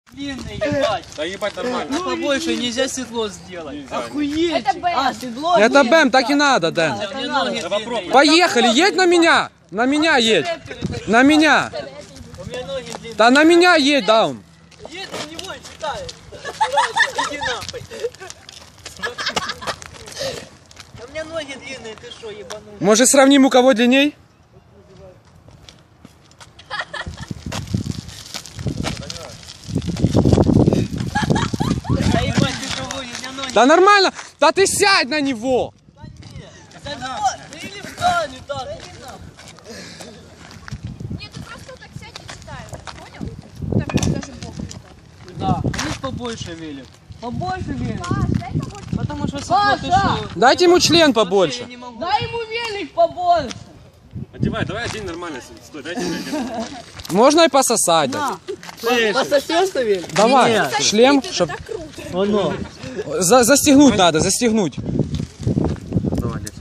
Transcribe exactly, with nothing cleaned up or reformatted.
Длинный, ебать. Да ебать нормально. Ну, побольше нельзя седло сделать. Охуеть. Это Б. А, седло. Это нет, Бэм, да. так и надо, Дэн. У меня ноги длинные. Поехали, едь на меня. На меня едь. На меня. У меня ноги длинные. Да на меня едь, Даун. Едь на него и читай. Иди нахуй. У меня ноги длинные, ты что, ебанул? Может, сравним, у кого длинней? Да ебать, ты что водишь, у меня ноги. Да нормально. Да ты сядь на него. Да вот, ну или встань, и так. Нет, ты просто так сядь и читай. Понял? Так вот даже бог не так. Да, у них побольше велик. Побольше велик. Паш, дай побольше. Потому что седло, ты Паша! что? Дайте ему член Я побольше. не могу. Дай ему велик побольше. Одевай, давай одень нормально. Стой, дайте мне одеть. Можно и пососать. дать. Пососешь ты велик? Давай, Нет. шлем, Это чтоб... так круто. Оно. За- застегнуть надо, застегнуть. Давай, одеть.